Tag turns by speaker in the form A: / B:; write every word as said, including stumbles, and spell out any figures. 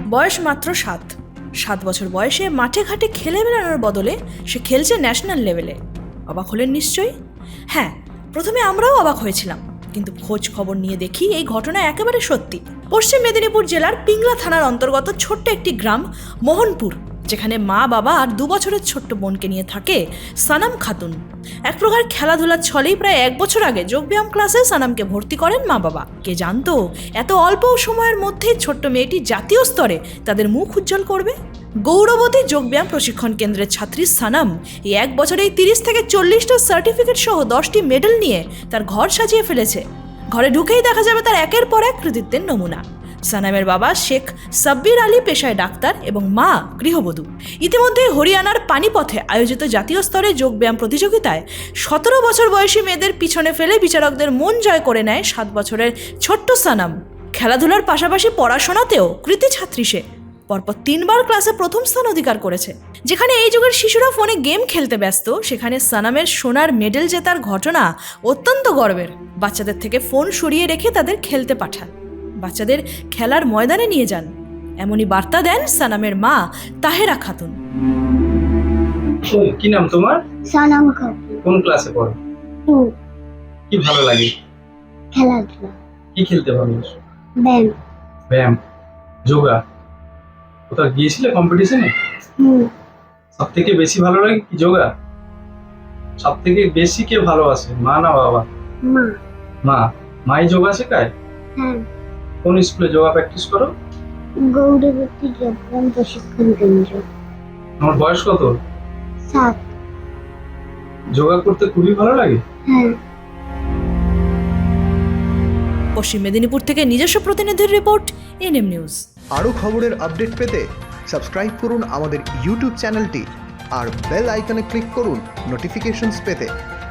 A: বয়স মাত্র সাত সাত বছর বয়সে মাঠে ঘাটে খেলে বেড়ানোর বদলে সে খেলছে ন্যাশনাল লেভেলে। অবাক হলেন নিশ্চয়ই? হ্যাঁ, প্রথমে আমরাও অবাক হয়েছিলাম, কিন্তু খোঁজ খবর নিয়ে দেখি এই ঘটনা একেবারে সত্যি। পশ্চিম মেদিনীপুর জেলার পিংলা থানার অন্তর্গত ছোট্ট একটি গ্রাম মোহনপুর, যেখানে মা বাবা আর দু বছরের ছোট্ট বোনকে নিয়ে থাকে সানাম খাতুন। এক প্রকার খেলাধুলার ছলেই প্রায় এক বছর আগে যোগব্যায়াম ক্লাসে সানামকে ভর্তি করেন মা বাবা। কে জানতো এত অল্প সময়ের মধ্যেই ছোট্ট মেয়েটি জাতীয় স্তরে তাদের মুখ উজ্জ্বল করবে। গৌরবতী যোগব্যায়াম প্রশিক্ষণ কেন্দ্রের ছাত্রী সানাম এই এক বছরেই তিরিশ থেকে চল্লিশটা সার্টিফিকেট সহ দশটি মেডেল নিয়ে তার ঘর সাজিয়ে ফেলেছে। ঘরে ঢুকেই দেখা যাবে তার একের পর এক কৃতিত্বের নমুনা। সানামের বাবা শেখ সাব্বির আলী পেশায় ডাক্তার এবং মা গৃহবধূ। ইতিমধ্যে হরিয়ানার পানিপথে আয়োজিত জাতীয় স্তরে যোগব্যায়াম প্রতিযোগিতায় সতেরো বছর বয়সী মেয়েদের পিছনে ফেলে বিচারকদের মন জয় করে নেয় সাত বছরের ছোট্ট সানাম। খেলাধুলার পাশাপাশি পড়াশোনাতেও কৃতি ছাত্রী সে। পরপর তিনবার ক্লাসে প্রথম স্থান অধিকার করেছে। যেখানে এই যুগের শিশুরা ফোনে গেম খেলতে ব্যস্ত, সেখানে সানামের সোনার মেডেল জেতার ঘটনা অত্যন্ত গর্বের। বাচ্চাদের থেকে ফোন সরিয়ে রেখে তাদের খেলতে পাঠান, বাচ্চাদের খেলার ময়দানে নিয়ে যান, এমনই বার্তা দেন সানামের মা তাহেরা খাতুন।
B: কি নাম তোমার?
C: সানাম খাতুন।
B: কোন ক্লাসে পড়ো?
C: টু।
B: কি ভালো লাগে?
C: খেলাধুলা।
B: কি খেলতে ভালোবাসো?
C: ব্যায়াম।
B: ব্যায়াম, যোগা। কোথাও গিয়েছিলে কম্পিটিশনে?
C: হুম।
B: সব থেকে বেশি ভালো লাগে কি যোগা? সব থেকে বেশি কে ভালোবাসে, মা না বাবা?
C: মা।
B: মা। মাই যোগা শেখায়?
C: হ্যাঁ।
B: কোন স্কুলে যোগা প্র্যাকটিস করো?
C: গৌরবতী যোগব্যায়াম প্রশিক্ষণ কেন্দ্র।
B: আমার বয়স কত?
C: সাত।
B: যোগা করতে খুবই ভালো লাগে।
C: হ্যাঁ।
A: পশ্চিম মেদিনীপুর থেকে নিজস্ব প্রতিনিধির রিপোর্ট, এনএম নিউজ।
D: আরও খবরের আপডেট পেতে সাবস্ক্রাইব করুন আমাদের ইউটিউব চ্যানেলটি আর বেল আইকনে ক্লিক করুন নোটিফিকেশনস পেতে।